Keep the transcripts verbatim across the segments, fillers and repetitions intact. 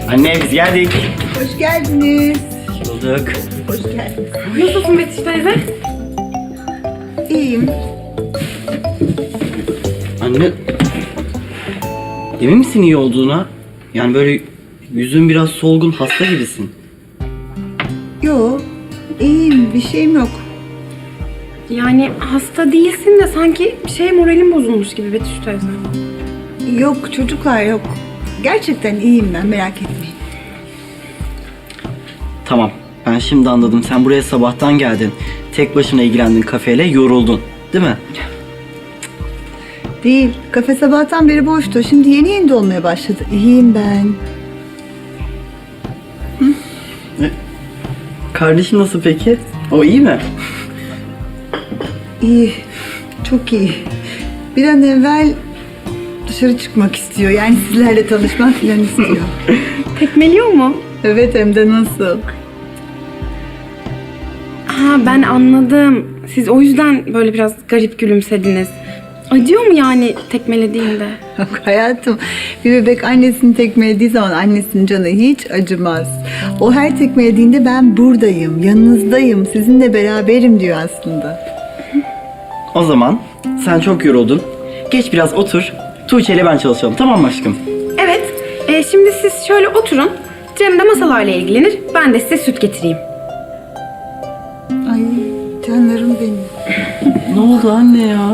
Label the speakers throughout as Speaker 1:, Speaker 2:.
Speaker 1: Anne biz geldik.
Speaker 2: Hoş geldiniz.
Speaker 1: Bulduk.
Speaker 2: Hoş geldiniz.
Speaker 3: Nasılsın Betüş teyze?
Speaker 2: İyiyim.
Speaker 1: Anne. Emin misin iyi olduğuna? Yani böyle yüzün biraz solgun, hasta gibisin.
Speaker 2: Yo, iyiyim. Bir şeyim yok.
Speaker 3: Yani hasta değilsin de sanki bir şey moralim bozulmuş gibi Betüş teyze.
Speaker 2: Yok çocuklar yok. Gerçekten iyiyim ben, merak etmeyin.
Speaker 1: Tamam. Ben şimdi anladım. Sen buraya sabahtan geldin. Tek başına ilgilendin kafeyle, yoruldun. Değil mi?
Speaker 2: Değil. Kafe sabahtan beri boştu. Şimdi yeni yeni dolmaya başladı. İyiyim ben.
Speaker 1: Kardeşin nasıl peki? O iyi mi?
Speaker 2: İyi. Çok iyi. Bir an evvel dışarı çıkmak istiyor. Yani sizlerle tanışmak falan istiyor.
Speaker 3: Tekmeliyor mu?
Speaker 2: Evet, hem de nasıl?
Speaker 3: Ha ben anladım. Siz o yüzden böyle biraz garip gülümsediniz. Acıyor mu yani tekmelediğinde?
Speaker 2: Yok hayatım, bir bebek annesini tekmelediği zaman annesinin canı hiç acımaz. O her tekmelediğinde ben buradayım, yanınızdayım, sizinle beraberim diyor aslında.
Speaker 1: O zaman sen çok yoruldun. Geç biraz otur. Tuğçe ile ben çalışalım. Tamam mı aşkım?
Speaker 3: Evet. E, şimdi siz şöyle oturun. Cem de masalarla ilgilenir. Ben de size süt getireyim.
Speaker 2: Ay canlarım benim.
Speaker 1: Ne oldu anne ya?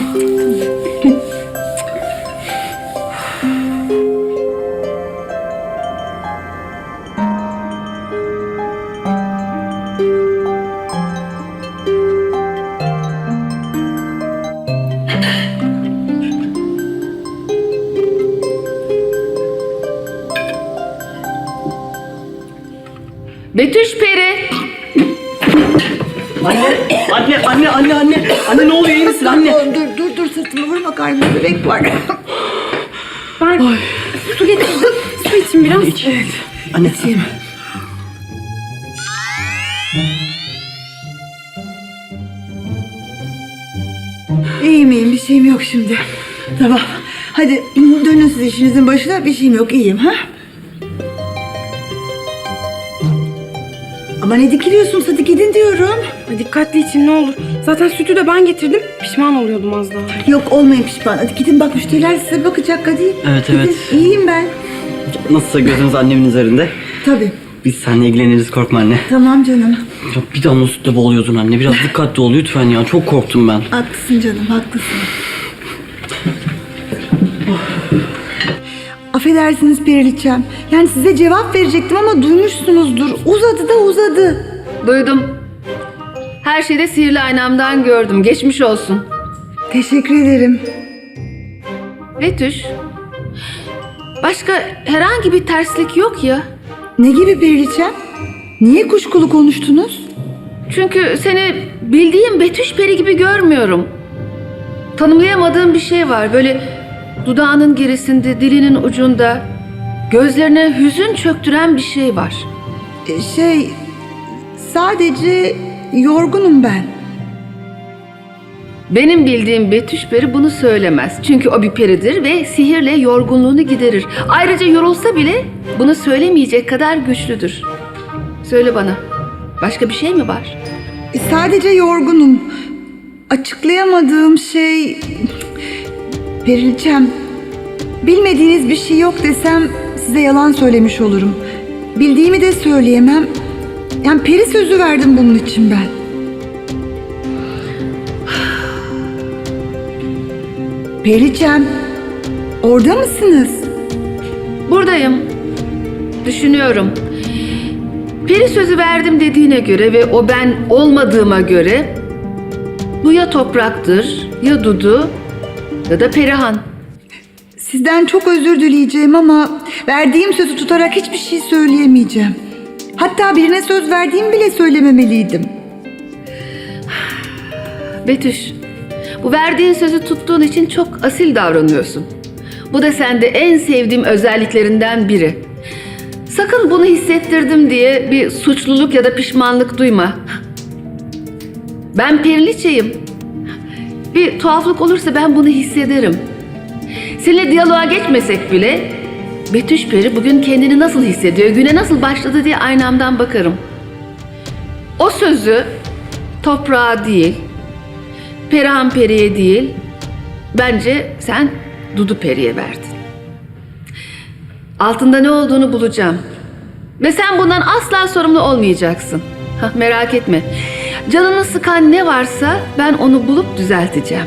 Speaker 4: Betüş Peri.
Speaker 1: Anne, anne, anne, anne, anne. Anne ne oluyor, iyi misin anne?
Speaker 2: Dur dur dur, dur sırtıma vurma, karnımda bebek var.
Speaker 3: Ben su getireyim. Su için biraz.
Speaker 1: İç. Anne.
Speaker 2: İçeyim. İyiyim iyiyim, bir şeyim yok şimdi. Tamam. Hadi dönün siz işinizin başına, bir şeyim yok, iyiyim ha? Ama ne dikiliyorsunuz, hadi gidin diyorum.
Speaker 3: Ay, dikkatli için ne olur. Zaten sütü de ben getirdim. Pişman oluyordum az daha.
Speaker 2: Yok olmayın pişman, hadi gidin, bak müşteriler size bakacak, hadi.
Speaker 1: Evet,
Speaker 2: Gidin.
Speaker 1: evet.
Speaker 2: İyiyim ben.
Speaker 1: Nasılsa gözümüz annemin üzerinde.
Speaker 2: Tabii.
Speaker 1: Biz seninle ilgileniriz, korkma anne.
Speaker 2: Tamam canım.
Speaker 1: Ya bir damla sütle boğuluyordun anne. Biraz dikkatli ol lütfen ya. Çok korktum ben.
Speaker 2: Haklısın canım, haklısın. Affedersiniz Periliçem. Yani size cevap verecektim ama duymuşsunuzdur. Uzadı da uzadı.
Speaker 4: Duydum. Her şeyi de sihirli aynamdan gördüm. Geçmiş olsun.
Speaker 2: Teşekkür ederim.
Speaker 4: Betüş. Başka herhangi bir terslik yok ya.
Speaker 2: Ne gibi Periliçem? Niye kuşkulu konuştunuz?
Speaker 4: Çünkü seni bildiğim Betüş Peri gibi görmüyorum. Tanımlayamadığım bir şey var. Böyle dudağının gerisinde, dilinin ucunda, gözlerine hüzün çöktüren bir şey var.
Speaker 2: Ee, Şey, sadece yorgunum ben.
Speaker 4: Benim bildiğim Betüş Peri bunu söylemez. Çünkü o bir peridir ve sihirle yorgunluğunu giderir. Ayrıca yorulsa bile bunu söylemeyecek kadar güçlüdür. Söyle bana, başka bir şey mi var?
Speaker 2: Ee, Sadece yorgunum. Açıklayamadığım şey... Periliçem, bilmediğiniz bir şey yok desem size yalan söylemiş olurum. Bildiğimi de söyleyemem. Yani peri sözü verdim bunun için ben. Periliçem, orada mısınız?
Speaker 4: Buradayım. Düşünüyorum. Peri sözü verdim dediğine göre ve o ben olmadığıma göre bu ya topraktır, ya Dudu ya da Perihan.
Speaker 2: Sizden çok özür dileyeceğim ama verdiğim sözü tutarak hiçbir şey söyleyemeyeceğim. Hatta birine söz verdiğimi bile söylememeliydim.
Speaker 4: Betüş, bu verdiğin sözü tuttuğun için çok asil davranıyorsun. Bu da sende en sevdiğim özelliklerinden biri. Sakın bunu hissettirdim diye bir suçluluk ya da pişmanlık duyma. Ben Periliçeyim. Bir tuhaflık olursa ben bunu hissederim. Seninle diyaloğa geçmesek bile Betüş Peri bugün kendini nasıl hissediyor, güne nasıl başladı diye aynamdan bakarım. O sözü toprağa değil, Perihan Peri'ye değil, bence sen Dudu Peri'ye verdin. Altında ne olduğunu bulacağım. Ve sen bundan asla sorumlu olmayacaksın. Hah, merak etme. Canını sıkan ne varsa ben onu bulup düzelteceğim.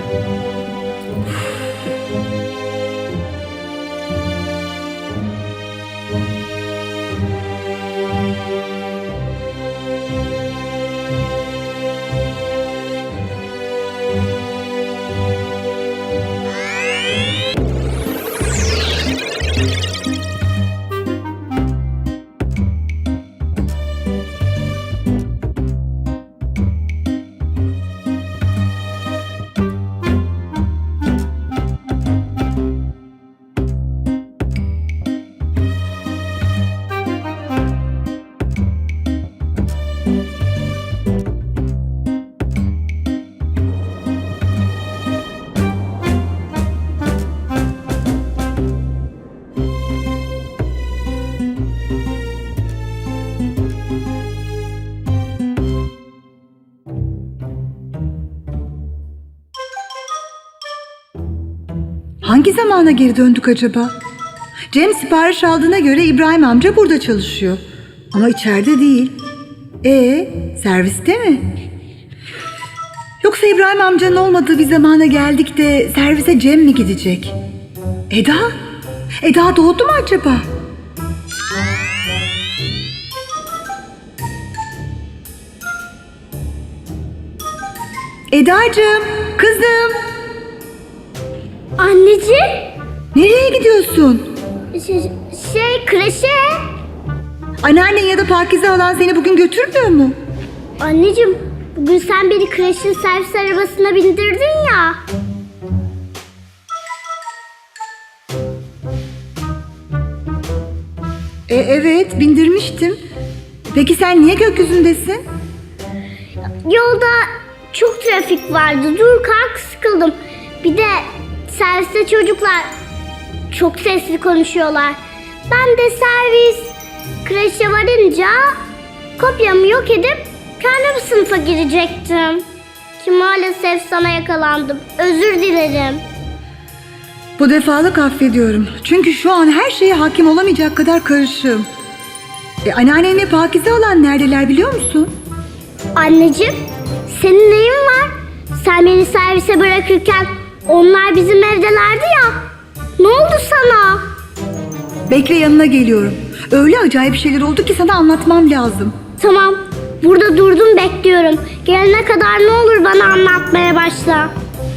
Speaker 2: Hangi zamana geri döndük acaba? Cem sipariş aldığına göre İbrahim amca burada çalışıyor. Ama içeride değil. E serviste mi? Yoksa İbrahim amcanın olmadığı bir zamana geldik de servise Cem mi gidecek? Eda? Eda doğdu mu acaba? Edacığım, kızım.
Speaker 5: Anneciğim,
Speaker 2: Nereye gidiyorsun?
Speaker 5: şey, şey kreşe.
Speaker 2: Anneannen ya da Pakize halan seni bugün götürmüyor mu?
Speaker 5: Anneciğim, bugün sen beni kreşin servis arabasına bindirdin ya.
Speaker 2: E, evet, bindirmiştim. Peki sen niye gökyüzündesin?
Speaker 5: Yolda çok trafik vardı. Dur kalk sıkıldım. Bir de serviste çocuklar çok sesli konuşuyorlar. Ben de servis kreşe varınca kopyamı yok edip kendi sınıfa girecektim. Ki maalesef sana yakalandım. Özür dilerim.
Speaker 2: Bu defalık affediyorum. Çünkü şu an her şeye hakim olamayacak kadar karışığım. E, anneannenle Pakize halan neredeler biliyor musun?
Speaker 5: Anneciğim, senin neyin var? Sen beni servise bırakırken onlar bizim evdelerdi ya. Ne oldu sana?
Speaker 2: Bekle, yanına geliyorum. Öyle acayip şeyler oldu ki sana anlatmam lazım.
Speaker 5: Tamam, burada durdum bekliyorum. Gelene kadar ne olur bana anlatmaya başla.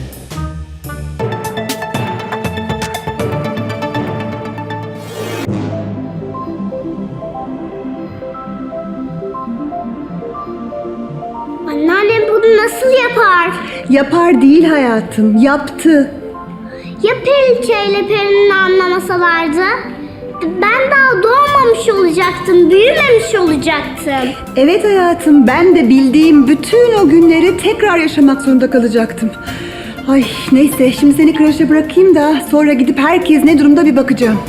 Speaker 5: Anneannem bunu nasıl yapar?
Speaker 2: Yapar değil hayatım, yaptı.
Speaker 5: Ya Periçe ile Peri'nin anlamasalardı? Ben daha doğmamış olacaktım, büyümemiş olacaktım.
Speaker 2: Evet hayatım, ben de bildiğim bütün o günleri tekrar yaşamak zorunda kalacaktım. Ay neyse, şimdi seni kreşe bırakayım da sonra gidip herkes ne durumda bir bakacağım.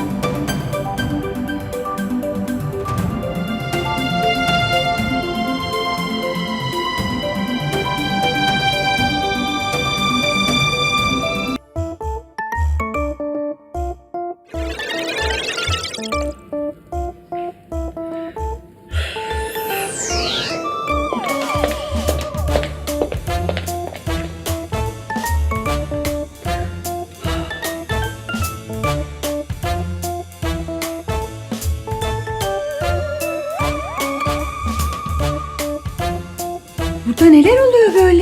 Speaker 2: Burada neler oluyor böyle?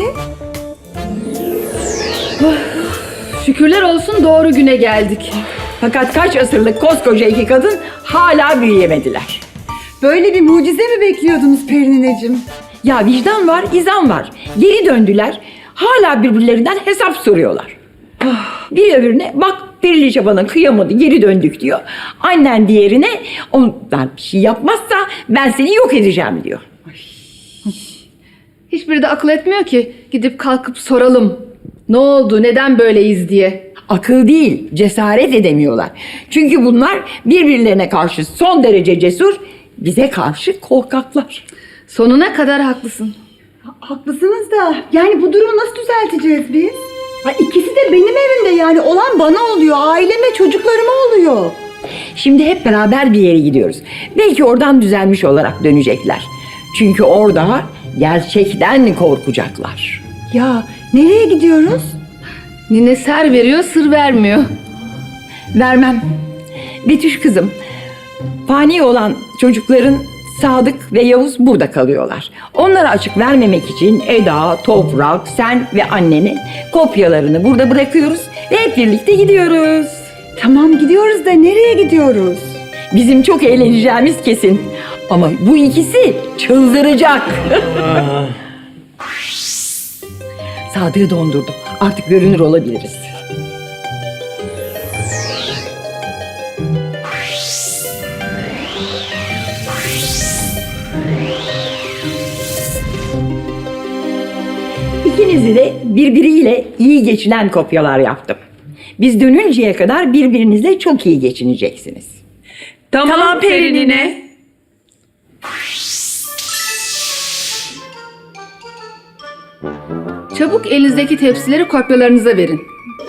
Speaker 6: Şükürler olsun doğru güne geldik. Fakat kaç asırlık koskoca iki kadın hala büyüyemediler.
Speaker 2: Böyle bir mucize mi bekliyordunuz Perinineciğim?
Speaker 6: Ya vicdan var, izan var. Geri döndüler. Hala birbirlerinden hesap soruyorlar. Bir öbürüne bak Perili Çaban'ın kıyamadı geri döndük diyor. Annen diğerine ondan bir şey yapmazsa ben seni yok edeceğim diyor.
Speaker 4: Hiçbiri de akıl etmiyor ki gidip kalkıp soralım. Ne oldu, neden böyleyiz diye.
Speaker 6: Akıl değil, cesaret edemiyorlar. Çünkü bunlar birbirlerine karşı son derece cesur, bize karşı korkaklar.
Speaker 4: Sonuna kadar haklısın.
Speaker 2: Haklısınız da yani bu durumu nasıl düzelteceğiz biz? Ha, ikisi de benim evimde, yani olan bana oluyor, aileme, çocuklarıma oluyor.
Speaker 6: Şimdi hep beraber bir yere gidiyoruz. Belki oradan düzelmiş olarak dönecekler. Çünkü orada gerçekten korkacaklar.
Speaker 2: Ya nereye gidiyoruz?
Speaker 4: Nine ser veriyor, sır vermiyor.
Speaker 6: Vermem. Betüş kızım, fani olan çocukların Sadık ve Yavuz burada kalıyorlar. Onlara açık vermemek için Eda, Toprak, sen ve annenin kopyalarını burada bırakıyoruz ve hep birlikte gidiyoruz.
Speaker 2: Tamam gidiyoruz da nereye gidiyoruz?
Speaker 6: Bizim çok eğleneceğimiz kesin. Ama bu ikisi çıldıracak. Sadık'ı dondurdum. Artık görünür olabiliriz. İkinizi de birbiriyle iyi geçinen kopyalar yaptım. Biz dönünceye kadar birbirinizle çok iyi geçineceksiniz.
Speaker 3: Tamam, Perinine.
Speaker 4: Çabuk elinizdeki tepsileri kopyalarınıza verin.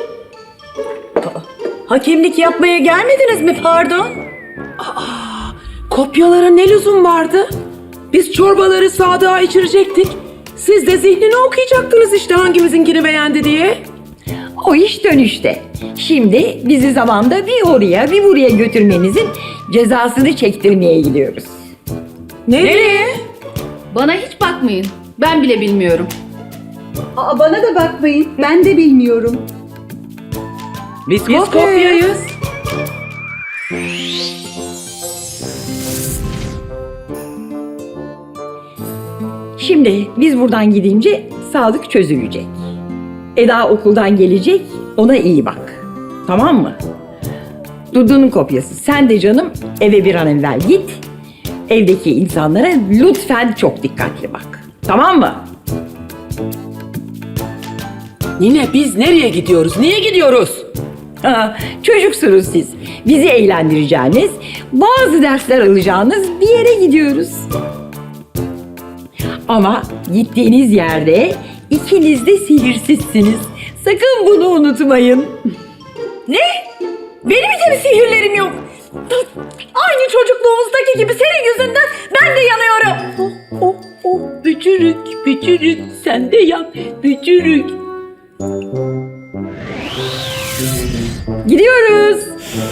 Speaker 7: Hakemlik yapmaya gelmediniz mi pardon? Aa, kopyalara ne lüzum vardı? Biz çorbaları Sadık'a içirecektik. Siz de zihnini okuyacaktınız işte hangimizinkini beğendi diye.
Speaker 6: O iş dönüşte. Şimdi bizi zamanda bir oraya bir buraya götürmenizin cezasını çektirmeye gidiyoruz.
Speaker 7: Nereye?
Speaker 4: Bana hiç bakmayın. Ben bile bilmiyorum.
Speaker 2: Aa, bana da bakmayın, ben de bilmiyorum.
Speaker 7: Biz, Biz kopyayız.
Speaker 6: Şimdi biz buradan gidince Sadık çözülecek. Eda okuldan gelecek, ona iyi bak. Tamam mı? Dudu'nun kopyası. Sen de canım eve bir an evvel git. Evdeki insanlara lütfen çok dikkatli bak. Tamam mı?
Speaker 7: Nine biz nereye gidiyoruz? Niye gidiyoruz?
Speaker 6: Ha, çocuksunuz siz. Bizi eğlendireceğiniz, bazı dersler alacağınız bir yere gidiyoruz. Ama gittiğiniz yerde ikiniz de sihirsizsiniz. Sakın bunu unutmayın.
Speaker 7: Ne? Benim hiç mi sihirlerim yok? Aynı çocukluğumuzdaki gibi senin yüzünden ben de yanıyorum. Oh, oh, oh. Bücürük, bücürük, sen de yan, bücürük.
Speaker 6: Gidiyoruz.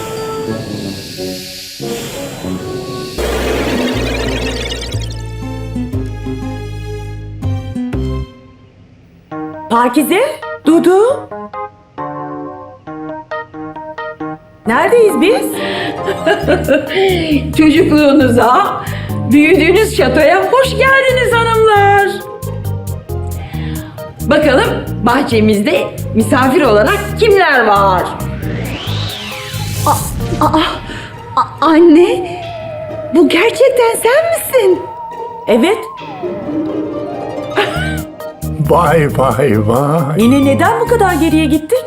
Speaker 7: Pakize, Dudu. Neredeyiz biz?
Speaker 6: Çocukluğunuza, büyüdüğünüz şatoya hoş geldiniz hanımlar. Bakalım bahçemizde misafir olarak kimler var?
Speaker 2: Aa, a- anne, bu gerçekten sen misin?
Speaker 7: Evet.
Speaker 8: Vay vay vay.
Speaker 7: Nine neden bu kadar geriye gittik?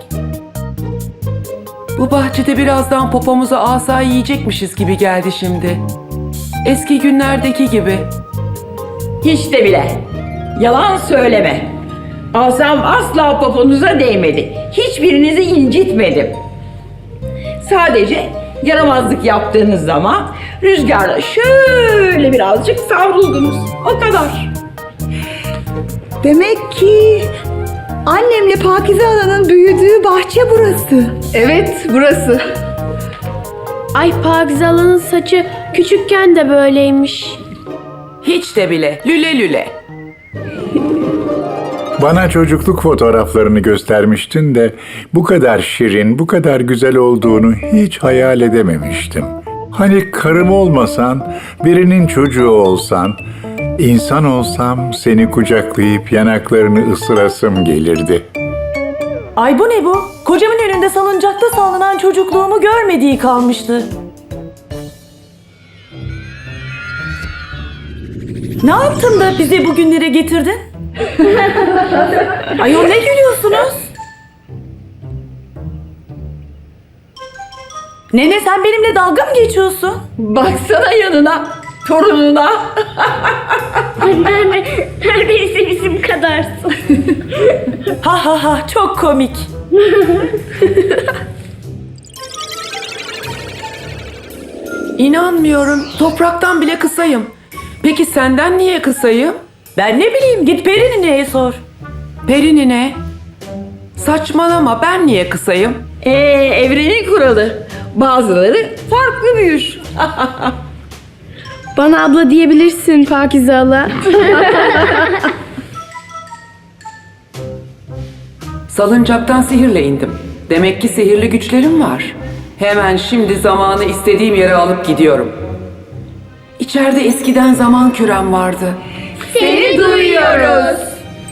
Speaker 7: Bu bahçede birazdan popomuza asa yiyecekmişiz gibi geldi şimdi. Eski günlerdeki gibi.
Speaker 6: Hiç de bile. Yalan söyleme. Asam asla poponuza değmedi. Hiçbirinizi incitmedim. Sadece yaramazlık yaptığınız zaman rüzgarla şöyle birazcık savruldunuz. O kadar.
Speaker 2: Demek ki annemle Pakize Hala'nın büyüdüğü bahçe burası.
Speaker 4: Evet, burası.
Speaker 9: Ay Pakize Hala'nın saçı küçükken de böyleymiş.
Speaker 7: Hiç de bile. Lüle lüle.
Speaker 8: Bana çocukluk fotoğraflarını göstermiştin de bu kadar şirin, bu kadar güzel olduğunu hiç hayal edememiştim. Hani karım olmasan, birinin çocuğu olsan, insan olsam seni kucaklayıp yanaklarını ısırasım gelirdi.
Speaker 10: Ay bu ne bu? Kocamın önünde salıncakta sallanan çocukluğumu görmediği kalmıştı. Ne yaptın da bizi bugünlere getirdin? Ayol ne gülüyorsunuz? Nene sen benimle dalga mı geçiyorsun?
Speaker 6: Baksana yanına, torununa.
Speaker 5: Anneanne neredeyse bizim kadarsın.
Speaker 10: Ha ha ha çok komik.
Speaker 11: İnanmıyorum. Topraktan bile kısayım. Peki senden niye kısayım?
Speaker 10: Ben ne bileyim git Peri nineye sor.
Speaker 11: Peri nine. Saçmalama, ben niye kısayım?
Speaker 6: Ee, evrenin kuralı. Bazıları farklı büyür.
Speaker 9: Bana abla diyebilirsin Pakize hala.
Speaker 11: Salıncaktan sihirle indim. Demek ki sihirli güçlerim var. Hemen şimdi zamanı istediğim yere alıp gidiyorum. İçeride eskiden zaman kürem vardı.
Speaker 6: Seni duyuyoruz.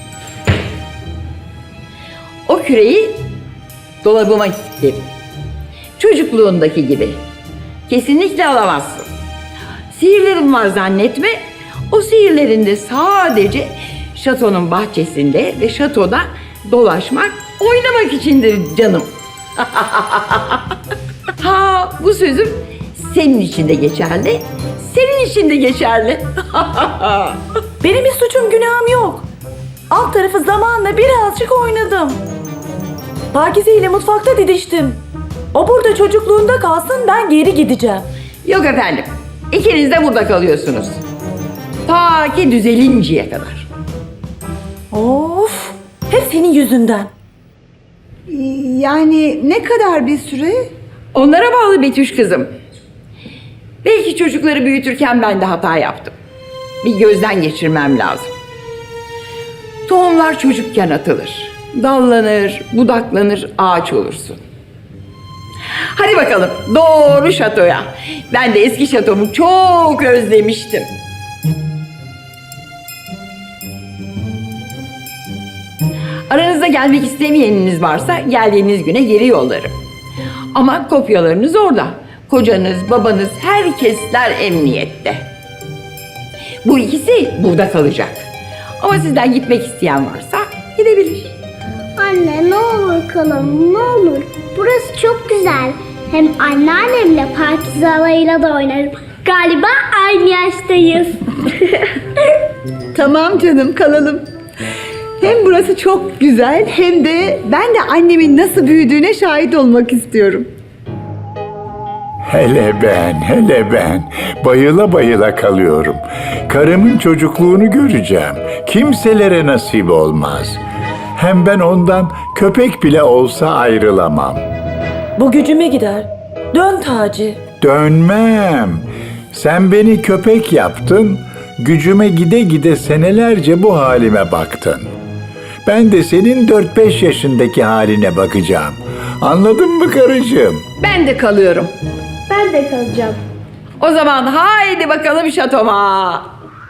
Speaker 6: O küreyi dolabıma isterim. Çocukluğundaki gibi. Kesinlikle alamazsın. Sihirlerim var zannetme. O sihirlerinde sadece şatonun bahçesinde ve şatoda dolaşmak, oynamak içindir canım. Ha, bu sözüm senin için de geçerli, senin için de geçerli.
Speaker 10: Benim bir suçum günahım yok. Alt tarafı zamanla birazcık oynadım. Pakize ile mutfakta didiştim. O burada çocukluğunda kalsın, ben geri gideceğim.
Speaker 6: Yok efendim, ikiniz de burada kalıyorsunuz. Ta ki düzelinceye kadar.
Speaker 10: Of, hep senin yüzünden.
Speaker 2: Yani ne kadar bir süre?
Speaker 6: Onlara bağlı Betüş kızım. Belki çocukları büyütürken ben de hata yaptım. Bir gözden geçirmem lazım. Tohumlar çocukken atılır. Dallanır, budaklanır, ağaç olursun. Hadi bakalım doğru şatoya. Ben de eski şatomu çok özlemiştim. Aranızda gelmek istemeyeniniz varsa geldiğiniz güne geri yollarım. Ama kopyalarınız orada. Kocanız, babanız, herkesler emniyette. Bu ikisi burada kalacak. Ama sizden gitmek isteyen varsa gidebilir.
Speaker 5: Anne ne olur kalalım ne olur. Burası çok güzel. Hem anneannemle Pakize halayla da oynarım. Galiba aynı yaştayız.
Speaker 2: Tamam canım kalalım. Hem burası çok güzel hem de ben de annemin nasıl büyüdüğüne şahit olmak istiyorum.
Speaker 8: Hele ben, hele ben. Bayıla bayıla kalıyorum. Karımın çocukluğunu göreceğim. Kimselere nasip olmaz. Hem ben ondan köpek bile olsa ayrılamam.
Speaker 10: Bu gücüme gider. Dön Taci.
Speaker 8: Dönmem. Sen beni köpek yaptın, gücüme gide gide senelerce bu halime baktın. Ben de senin dört beş yaşındaki haline bakacağım. Anladın mı karıcığım?
Speaker 6: Ben de kalıyorum.
Speaker 5: Ben de kalacağım.
Speaker 6: O zaman haydi bakalım şatoma.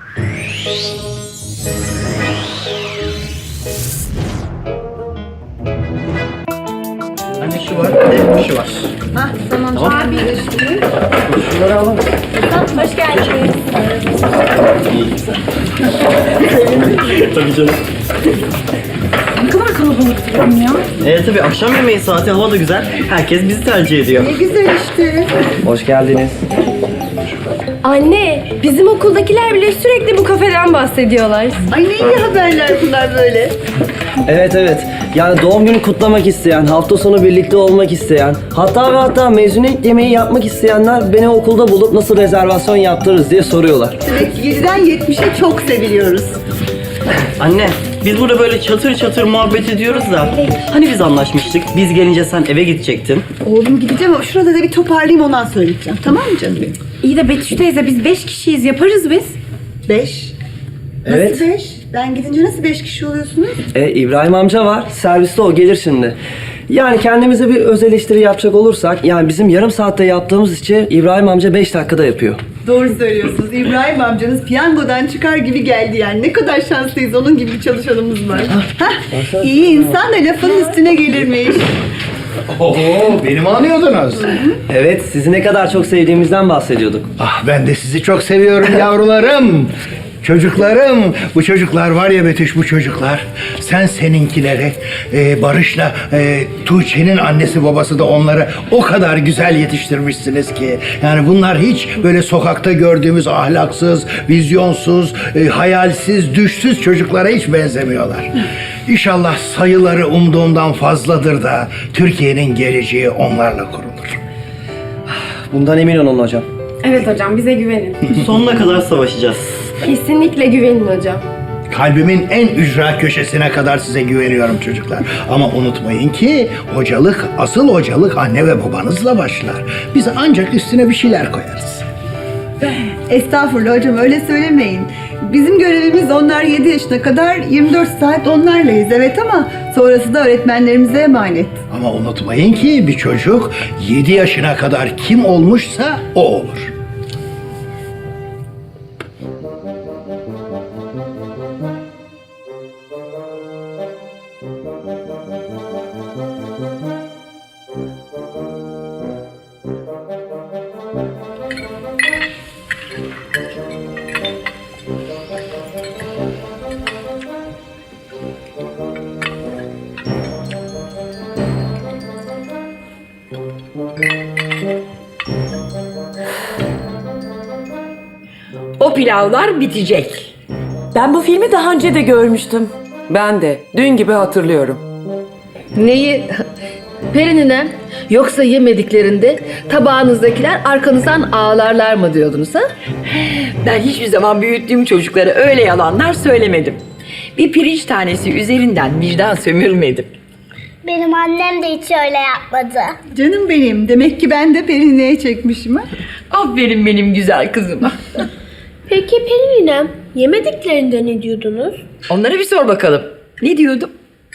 Speaker 1: Anne şu var, bir de şu var.
Speaker 2: Hah tamam.
Speaker 1: Tamam.
Speaker 2: Abi üstü.
Speaker 1: Şunları alalım.
Speaker 5: Hoş geldiniz.
Speaker 1: Tabii canım.
Speaker 3: Ne kadar kalabalık diyorum ya.
Speaker 1: Evet tabii akşam yemeği saati, hava da güzel. Herkes bizi tercih ediyor.
Speaker 2: Ne güzel işte.
Speaker 1: Hoş geldiniz.
Speaker 9: Anne, bizim okuldakiler bile sürekli bu kafeden bahsediyorlar.
Speaker 2: Ay ne iyi haberler bunlar böyle.
Speaker 12: Evet evet. Yani doğum günü kutlamak isteyen, hafta sonu birlikte olmak isteyen, hatta ve hatta mezuniyet yemeği yapmak isteyenler beni okulda bulup nasıl rezervasyon yaptırırız diye soruyorlar.
Speaker 2: Evet yediden yetmişe çok seviliyoruz.
Speaker 1: Anne, biz burada böyle çatır çatır muhabbet ediyoruz da hani biz anlaşmıştık, biz gelince sen eve gidecektin.
Speaker 2: Oğlum gideceğim ama şurada da bir toparlayayım ondan söyleyeceğim. Tamam mı canım benim?
Speaker 3: İyi de Betüş teyze biz beş kişiyiz yaparız biz.
Speaker 2: Beş. Nasıl
Speaker 12: Evet.
Speaker 2: beş? Ben gidince nasıl beş kişi oluyorsunuz?
Speaker 12: E, İbrahim amca var, serviste o gelir şimdi. Yani kendimize bir öz eleştiri yapacak olursak, yani bizim yarım saatte yaptığımız işi İbrahim amca beş dakikada yapıyor.
Speaker 2: Doğru söylüyorsunuz. İbrahim amcanız piyangodan çıkar gibi geldi yani. Ne kadar şanslıyız. Onun gibi bir çalışanımız var. Hah, iyi insan da lafın üstüne gelirmiş.
Speaker 13: Oo, beni mi anıyordunuz?
Speaker 12: Evet, sizi ne kadar çok sevdiğimizden bahsediyorduk.
Speaker 13: Ah, ben de sizi çok seviyorum yavrularım. Çocuklarım, bu çocuklar var ya Betüş, bu çocuklar. Sen seninkileri, e, Barış'la e, Tuğçe'nin annesi babası da onları o kadar güzel yetiştirmişsiniz ki. Yani bunlar hiç böyle sokakta gördüğümüz ahlaksız, vizyonsuz, e, hayalsiz, düşsüz çocuklara hiç benzemiyorlar. İnşallah sayıları umduğumdan fazladır da Türkiye'nin geleceği onlarla kurulur.
Speaker 12: Bundan emin olun hocam.
Speaker 3: Evet hocam, bize güvenin.
Speaker 1: Sonuna kadar savaşacağız.
Speaker 9: Kesinlikle güvenin hocam.
Speaker 13: Kalbimin en ücra köşesine kadar size güveniyorum çocuklar. Ama unutmayın ki hocalık, asıl hocalık anne ve babanızla başlar. Biz ancak üstüne bir şeyler koyarız.
Speaker 2: Estağfurullah hocam, öyle söylemeyin. Bizim görevimiz onlar yedi yaşına kadar yirmi dört saat onlarlayız, evet, ama sonrası da öğretmenlerimize emanet.
Speaker 13: Ama unutmayın ki bir çocuk yedi yaşına kadar kim olmuşsa o olur.
Speaker 6: O pilavlar bitecek.
Speaker 10: Ben bu filmi daha önce de görmüştüm.
Speaker 11: Ben de dün gibi hatırlıyorum.
Speaker 4: Neyi? Perininem, yoksa yemediklerinde tabağınızdakiler arkanızdan ağlarlar mı diyordunuz ha?
Speaker 6: Ben hiçbir zaman büyüttüğüm çocuklara öyle yalanlar söylemedim. Bir pirinç tanesi üzerinden vicdan sömürmedim.
Speaker 5: Benim annem de hiç öyle yapmadı.
Speaker 2: Canım benim, demek ki ben de Perine'ye çekmişim ha.
Speaker 6: Aferin benim güzel kızıma.
Speaker 5: Peki Pelin'im, yemediklerinde ne diyordunuz?
Speaker 6: Onlara bir sor bakalım. Ne diyordum?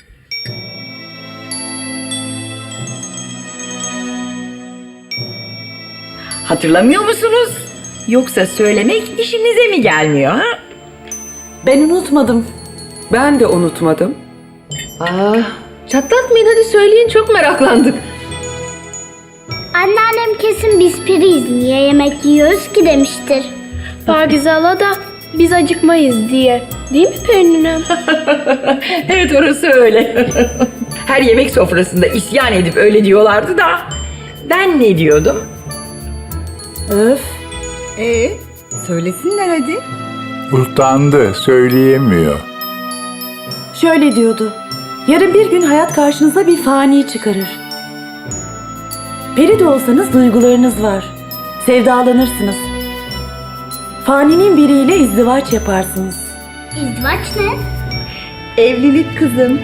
Speaker 6: Hatırlamıyor musunuz? Yoksa söylemek işinize mi gelmiyor ha?
Speaker 10: Ben unutmadım.
Speaker 11: Ben de unutmadım.
Speaker 4: Aa, çatlatmayın, hadi söyleyin, çok meraklandık.
Speaker 5: Anneannem kesin biz piriyiz, niye yemek yiyoruz ki demiştir.
Speaker 9: Pakize hala da biz acıkmayız diye. Değil mi Pelin'im?
Speaker 6: Evet, orası öyle. Her yemek sofrasında isyan edip öyle diyorlardı da ben ne diyordum?
Speaker 10: Öf.
Speaker 2: Ee, söylesinler hadi.
Speaker 8: Utandı, söyleyemiyor.
Speaker 10: Şöyle diyordu. Yarın bir gün hayat karşınıza bir fani çıkarır. Peri de olsanız duygularınız var. Sevdalanırsınız. Faninin biriyle izdivaç yaparsınız.
Speaker 5: İzdivaç ne?
Speaker 2: Evlilik kızım.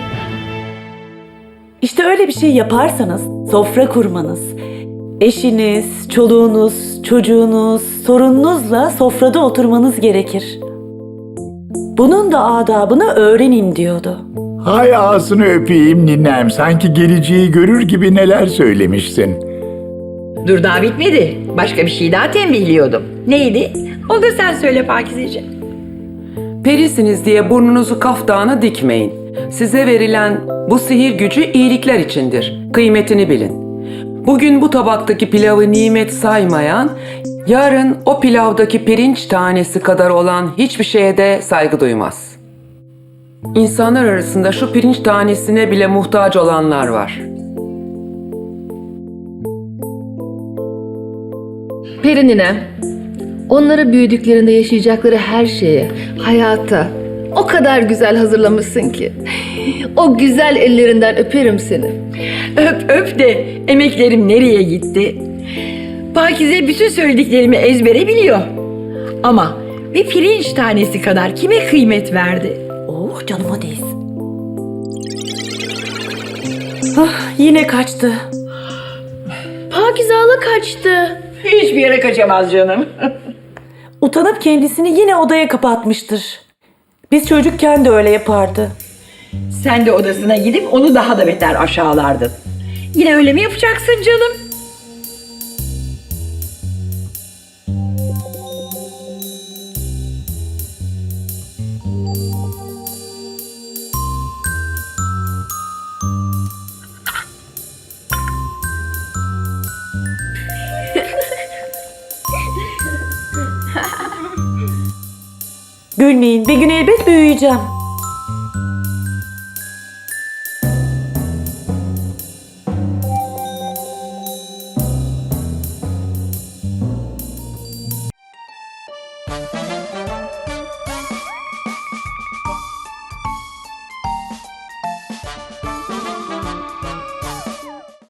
Speaker 10: İşte öyle bir şey yaparsanız sofra kurmanız, eşiniz, çoluğunuz, çocuğunuz, sorununuzla sofrada oturmanız gerekir. Bunun da adabını öğrenin diyordu.
Speaker 8: Hay ağzını öpeyim ninem, sanki geleceği görür gibi neler söylemişsin.
Speaker 6: Dur, daha bitmedi. Başka bir şey daha tembihliyordum. Neydi? O da sen söyle Pakizeciğim.
Speaker 11: Perisiniz diye burnunuzu kaftana dikmeyin. Size verilen bu sihir gücü iyilikler içindir. Kıymetini bilin. Bugün bu tabaktaki pilavı nimet saymayan, yarın o pilavdaki pirinç tanesi kadar olan hiçbir şeye de saygı duymaz. İnsanlar arasında şu pirinç tanesine bile muhtaç olanlar var.
Speaker 4: Perininem, onları büyüdüklerinde yaşayacakları her şeye, hayata o kadar güzel hazırlamışsın ki. O güzel ellerinden öperim seni.
Speaker 6: Öp öp de emeklerim nereye gitti? Pakize bütün söylediklerimi ezbere biliyor. Ama bir pirinç tanesi kadar kime kıymet verdi?
Speaker 10: Oh, canıma değsin. Ah, yine kaçtı.
Speaker 9: Pakize hala kaçtı.
Speaker 6: Hiçbir yere kaçamaz canım.
Speaker 10: Utanıp kendisini yine odaya kapatmıştır. Biz çocukken de öyle yapardı.
Speaker 6: Sen de odasına gidip onu daha da beter aşağılardın. Yine öyle mi yapacaksın canım?
Speaker 10: Üzülmeyin, bir gün elbet büyüyeceğim.